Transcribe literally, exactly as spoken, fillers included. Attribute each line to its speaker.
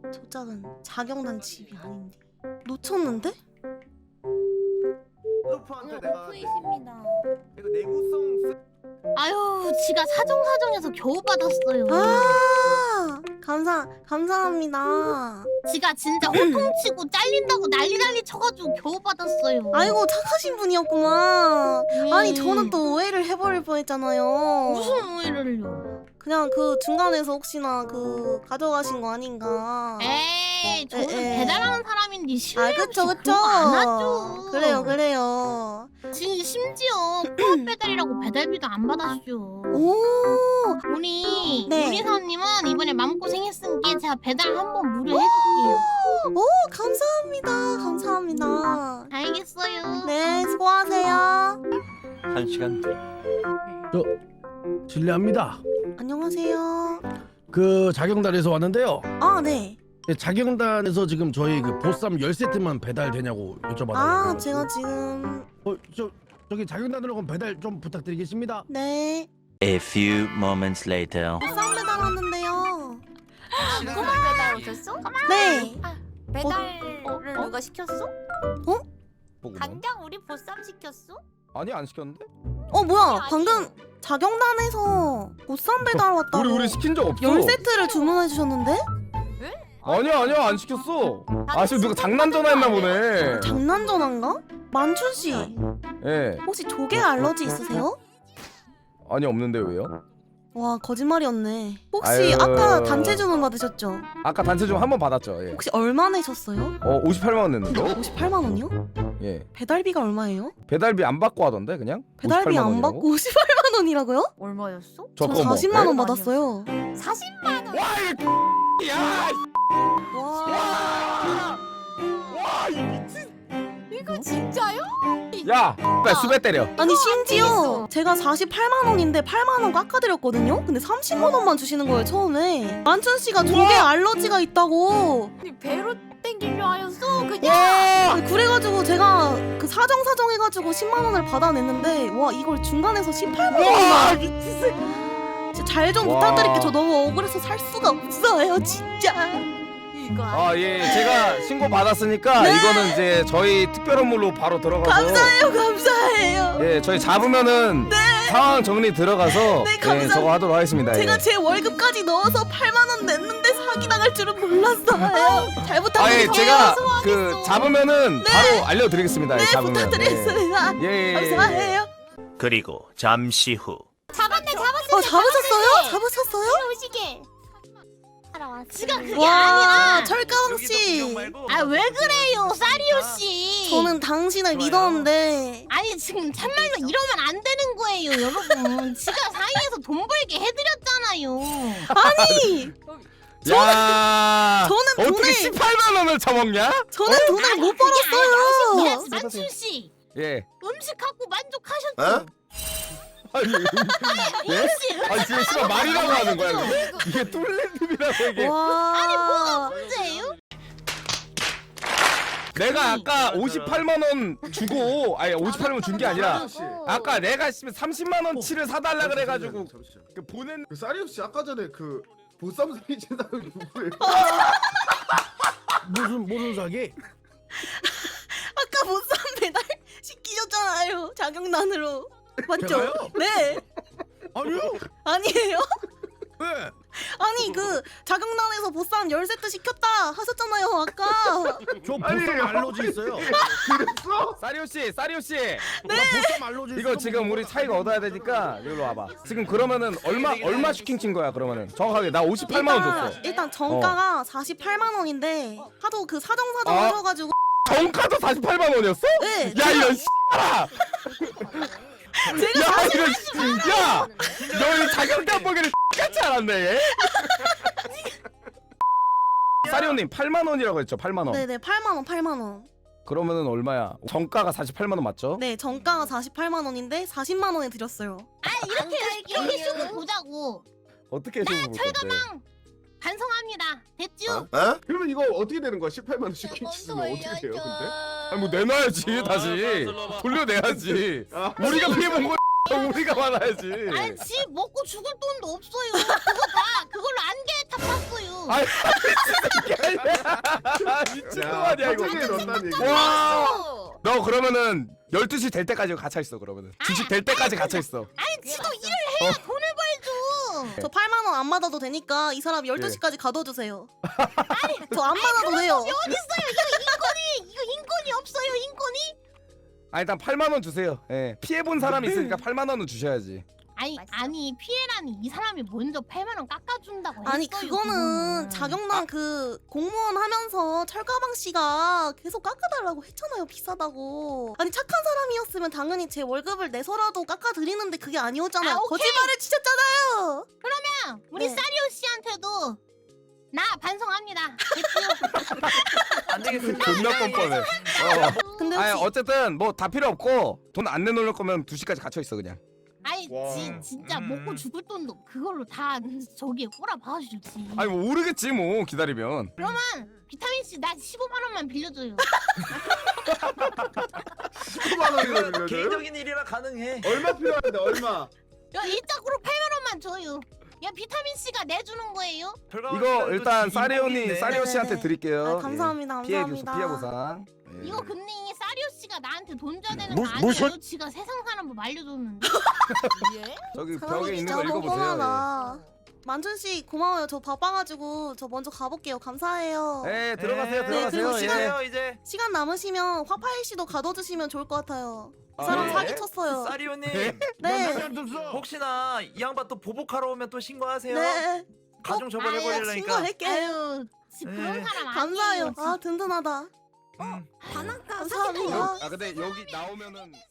Speaker 1: 저 짝은 자경단 집이 아닌데. 놓쳤는데?
Speaker 2: 루프한테 내가
Speaker 3: 오프이십니다.
Speaker 2: 이거 내구성 쓰...
Speaker 3: 아유, 지가 사정사정해서 겨우 받았어요.
Speaker 1: 아 감사 감사합니다.
Speaker 3: 지가 진짜 호통치고 잘린다고 난리 난리 쳐가지고 겨우 받았어요.
Speaker 1: 아이고 착하신 분이었구만.
Speaker 3: 음.
Speaker 1: 아니 저는 또 오해를 해버릴 뻔했잖아요.
Speaker 3: 무슨 오해를요?
Speaker 1: 그냥 그 중간에서 혹시나 그 가져가신 거 아닌가.
Speaker 3: 에이, 저는
Speaker 1: 에, 에.
Speaker 3: 배달하는 사람인데
Speaker 1: 아
Speaker 3: 실례
Speaker 1: 그쵸
Speaker 3: 없이
Speaker 1: 그쵸.
Speaker 3: 그런 거 안 하죠.
Speaker 1: 그래요 그래요.
Speaker 3: 지, 심지어 코앞 배달이라고 배달비도 안 받았죠.
Speaker 1: 오
Speaker 3: 우리
Speaker 1: 네.
Speaker 3: 요리사님은 이번에 마음고생했으니까 제가 배달 한번 무료해줄게요.
Speaker 1: 오 감사합니다 감사합니다.
Speaker 3: 알겠어요.
Speaker 1: 네 수고하세요.
Speaker 4: 한 시간 뒤.
Speaker 5: 실례합니다.
Speaker 1: 안녕하세요.
Speaker 5: 그 자경단에서 왔는데요.
Speaker 1: 아 네.
Speaker 5: 예, 자경단에서 지금 저희 그 보쌈 열 세트만 배달되냐고 여쭤봐달라고.
Speaker 1: 아 제가 지금
Speaker 5: 어, 저 저기 자경단으로 그럼 배달 좀 부탁드리겠습니다.
Speaker 1: 네
Speaker 4: A few moments later.
Speaker 1: 보쌈 배달 왔는데요.
Speaker 6: 꼬마 배달 오셨어?
Speaker 1: 네.
Speaker 6: 배달을
Speaker 7: 어? 어?
Speaker 6: 누가 시켰어? 강장 우리 보쌈 시켰어?
Speaker 2: 아니 안 시켰는데?
Speaker 1: 어 뭐야
Speaker 6: 아니,
Speaker 1: 방금 자경단에서 보쌈 배달 왔다고
Speaker 2: 우리 우리 시킨 적 없어.
Speaker 1: 열 세트를 주문해 주셨는데?
Speaker 2: 아니야 아니야 안 시켰어. 아 지금 누가 장난 전화했나 보네.
Speaker 1: 장난 전화인가? 만춘 씨
Speaker 2: 예.
Speaker 1: 혹시 조개 알러지 있으세요?
Speaker 2: 아니 없는데 왜요?
Speaker 1: 와 거짓말이었네. 혹시
Speaker 2: 아유.
Speaker 1: 아까 단체 주문 받으셨죠?
Speaker 2: 아까 단체 좀 한 번 받았죠. 예.
Speaker 1: 혹시 얼마 내셨어요?
Speaker 2: 어 오십팔만 원 냈는데.
Speaker 1: 오십팔만 원이요?
Speaker 2: 예.
Speaker 1: 배달비가 얼마예요?
Speaker 2: 배달비 안 받고 하던데 그냥?
Speaker 1: 배달비
Speaker 2: 오십팔만
Speaker 1: 안
Speaker 2: 원이라고?
Speaker 1: 받고 오십팔만 원이라고요?
Speaker 6: 얼마였어?
Speaker 2: 저
Speaker 1: 저
Speaker 2: 그거 뭐,
Speaker 1: 사십만 원
Speaker 2: 예?
Speaker 1: 받았어요.
Speaker 6: 사십만 원.
Speaker 2: 와 이 야!
Speaker 1: 와
Speaker 2: 와! 와, 이 미친.
Speaker 6: 이거 진짜요?
Speaker 2: 야, 나 수배 때려.
Speaker 1: 아니 심지어 제가 사십팔만 원인데 팔만 원 깎아드렸거든요? 근데 삼십만 원만 주시는 거예요 처음에. 만춘 씨가 조개 알러지가 있다고.
Speaker 6: 아니, 배로 땡기려 하였어 그냥.
Speaker 2: 와!
Speaker 1: 그래가지고 제가 그 사정사정 해가지고 십만 원을 받아냈는데 와 이걸 중간에서 십팔만
Speaker 2: 와,
Speaker 1: 원이나.
Speaker 2: 미친 새끼.
Speaker 1: 잘 좀
Speaker 2: 와.
Speaker 1: 부탁드릴게요. 저 너무 억울해서 살 수가 없어요 진짜.
Speaker 6: 이거
Speaker 2: 아, 예. 제가 신고 받았으니까
Speaker 1: 네.
Speaker 2: 이거는 이제 저희 특별 업무로 바로 들어가서
Speaker 1: 감사해요 감사해요.
Speaker 2: 예, 저희 잡으면은 상황 정리 들어가서
Speaker 1: 네,
Speaker 2: 예,
Speaker 1: 감사합니다.
Speaker 2: 저거 하도록 하겠습니다.
Speaker 1: 제가
Speaker 2: 예.
Speaker 1: 제 월급까지 넣어서 팔만 원 냈는데 사기 당할 줄은 몰랐어요. 잘
Speaker 2: 아, 예,
Speaker 1: 부탁드릴게요.
Speaker 2: 제가 그 잡으면은
Speaker 1: 네.
Speaker 2: 바로 알려드리겠습니다. 예,
Speaker 1: 네
Speaker 2: 잡으면.
Speaker 1: 부탁드리겠습니다.
Speaker 2: 예, 예, 예.
Speaker 1: 감사해요.
Speaker 4: 그리고 잠시 후.
Speaker 6: 잡았네 잡았어.
Speaker 1: 어 잡으셨어요? 잡으셨어요?
Speaker 6: 오시게. 알아왔어.
Speaker 3: 지가 그게
Speaker 1: 와
Speaker 3: 아니라.
Speaker 1: 철가왕 씨.
Speaker 3: 아 왜 그래요, 사리오 씨?
Speaker 1: 저는 당신을 믿었는데.
Speaker 3: 아니 지금 참말로 이러면 안 되는 거예요, 여러분. 지가 사이에서 돈 벌게 해드렸잖아요.
Speaker 1: 아니
Speaker 2: 야,
Speaker 1: 저는
Speaker 2: 어떻게
Speaker 1: 돈을-
Speaker 2: 십팔만 원을 처먹냐?
Speaker 1: 저는 돈을 못
Speaker 3: 야,
Speaker 1: 벌었어요.
Speaker 3: 만춘 씨,
Speaker 2: 예.
Speaker 3: 음식 갖고 만족하셨죠?
Speaker 2: 아니, 예?
Speaker 3: 혹시
Speaker 2: 아니 지금 씨발 말이라고 하는 거야. 이게, 이게 뚫레님이라고 이게.
Speaker 1: 와.
Speaker 3: 문제예요?
Speaker 2: 내가 아까 오십팔만 원 주고 아니 오십팔만 원 준 게 아니라 아까 내가 삼십만 원치를 사달라 그래가지고 그 보낸
Speaker 8: 그 사리오 씨 아까 전에 그 보쌈 사기 친다고 누구예요?
Speaker 5: 무슨 무슨 사기?
Speaker 1: 아까 보쌈 배달 시키셨잖아요. 자경단으로. 맞죠?
Speaker 5: 제가요?
Speaker 1: 네.
Speaker 5: 아니요.
Speaker 1: 아니에요?
Speaker 5: 네.
Speaker 1: 아니 그 자경단에서 보쌈 열 세트 시켰다 하셨잖아요 아까.
Speaker 5: 저 보쌈 알러지 있어요.
Speaker 8: 그랬어?
Speaker 2: 사리오 씨, 사리오 씨.
Speaker 5: 네. 보쌈 알러지 있어.
Speaker 2: 이거 지금 우리 차이가 얻어야 되니까 여기로 와봐. 지금 그러면은 얼마 얼마 슈킹 친 거야 그러면은 정확하게 나 오십팔만 원 줬어.
Speaker 1: 일단, 일단 정가가 사십팔만 원인데 하도 그 사정사정
Speaker 2: 아.
Speaker 1: 하셔가지고.
Speaker 2: 정가도 사십팔만 원이었어?
Speaker 1: 네.
Speaker 2: 야 이런 씨발아.
Speaker 1: 제가
Speaker 2: 야 이런 씨. 야, 너이 자격단 보기를 같이 알았네 얘. 사리오님 팔만 원이라고 했죠? 팔만 원.
Speaker 1: 네네 팔만 원 팔만 원.
Speaker 2: 그러면은 얼마야? 정가가 사십팔만 원 맞죠?
Speaker 1: 네 정가가 사십팔만 원인데 사십만 원에 드렸어요.
Speaker 3: 아 이렇게 이렇게 쇼고 보자고.
Speaker 2: 어떻게 해서 볼 건데?
Speaker 3: 반성합니다. 됐죠?
Speaker 8: 그러면 이거 어떻게 되는 거야? 십팔만 원 슈킹 치면 어떻게 돼요 근데?
Speaker 2: 아니 뭐 내놔야지 다시 돌려내야지.
Speaker 8: 아,
Speaker 2: 우리가 피해 본 거 우리가 받아야지.
Speaker 3: 아니 집 먹고 죽을 돈도 없어요. 그거 다 그걸로 안개 다 팠어요.
Speaker 2: 아이 미친 거 아니야 이거.
Speaker 8: 갑자기 넣었다는 얘기.
Speaker 2: 와. 너 그러면은 열두 시 될 때까지 갇혀 있어 그러면은. 주식 될 때까지 갇혀 있어.
Speaker 3: 아니 지도 일을 해야 돈을 벌죠.
Speaker 1: 저 팔만 원 안 받아도 되니까 이 사람 열두 시까지 가둬주세요. 저 안 받아도 돼요.
Speaker 3: 어디 있어요? 이거 인권이 이거 인권이 없어요 인권이?
Speaker 2: 아 일단 팔만 원 주세요. 예. 피해 본 사람이 있으니까 팔만 원은 주셔야지.
Speaker 3: 아니 아니 피해라니 이 사람이 먼저 팔만 원 깎아준다고
Speaker 1: 아니
Speaker 3: 했어요,
Speaker 1: 그거는
Speaker 3: 그거는.
Speaker 1: 자격난 그 공무원 하면서 철가방 씨가 계속 깎아달라고 했잖아요. 비싸다고. 아니 착한 사람이었으면 당연히 제 월급을 내서라도 깎아드리는데 그게 아니었잖아요.
Speaker 3: 아, 오케이.
Speaker 1: 거짓말을 치셨잖아요.
Speaker 3: 그러면 우리
Speaker 1: 네.
Speaker 3: 사리오 씨한테도 나 반성합니다. 됐지요?
Speaker 7: 안 되겠습니다.
Speaker 2: 존나 뻔뻔해. 어.
Speaker 1: 근데
Speaker 2: 아니
Speaker 1: 혹시
Speaker 2: 어쨌든 뭐 다 필요 없고 돈 안 내놓을 거면 두 시까지 갇혀 있어 그냥.
Speaker 3: 아니
Speaker 8: 와.
Speaker 3: 지, 진짜
Speaker 7: 음.
Speaker 3: 먹고 죽을 돈도 그걸로 다 저기에 꼬라 박아주지.
Speaker 2: 아니 뭐 오르겠지 뭐 기다리면.
Speaker 3: 그러면 비타민 C 나 십오만 원만 빌려줘요.
Speaker 8: 십구만 원이나 빌려줘요?
Speaker 7: 개인적인 일이라 가능해.
Speaker 8: 얼마 필요한데 얼마?
Speaker 3: 야 일짝으로 팔만 원만 줘요. 야 비타민 C가 내주는 거예요?
Speaker 2: 이거 일단 사리오니
Speaker 7: 사리오니
Speaker 2: 사리오 씨한테
Speaker 1: 네네네.
Speaker 2: 드릴게요.
Speaker 1: 아, 감사합니다,
Speaker 2: 예. 피해
Speaker 1: 감사합니다.
Speaker 2: 피해 보상. 예.
Speaker 3: 이거 근데 이 사리오 씨가 나한테 돈 줘야 되는
Speaker 4: 무-
Speaker 3: 거 아니에요?
Speaker 4: 무슨-
Speaker 3: 지가 세상 사람 뭐 말려줬는데.
Speaker 2: 저기
Speaker 1: 사람이
Speaker 2: 벽에 있는
Speaker 1: 진짜
Speaker 2: 거
Speaker 1: 너무
Speaker 2: 읽어보세요.
Speaker 1: 뻔하다. 만춘 씨 고마워요. 저 바빠가지고 저 먼저 가볼게요. 감사해요.
Speaker 2: 예. 예, 들어가세요
Speaker 7: 네,
Speaker 2: 들어가세요.
Speaker 1: 그리고
Speaker 2: 예.
Speaker 7: 시간이요 이제.
Speaker 1: 시간 남으시면 화파이 씨도 가둬주시면 좋을 것 같아요. 그
Speaker 2: 아,
Speaker 1: 사람
Speaker 2: 네?
Speaker 1: 사기쳤어요.
Speaker 7: 사리오님
Speaker 1: 네.
Speaker 7: 혹시나 이 양반 또 보복하러 오면 또 신고하세요.
Speaker 1: 네.
Speaker 7: 가중
Speaker 1: 아유,
Speaker 7: 처벌해버리려니까.
Speaker 1: 신고할게.
Speaker 3: 아유 지- 그런
Speaker 7: 네.
Speaker 3: 사람 아니에요.
Speaker 1: 감사해요.
Speaker 3: 진짜.
Speaker 1: 아 든든하다.
Speaker 7: 음.
Speaker 6: 바나카
Speaker 1: 감사합니다.
Speaker 2: 아 근데 여기 나오면은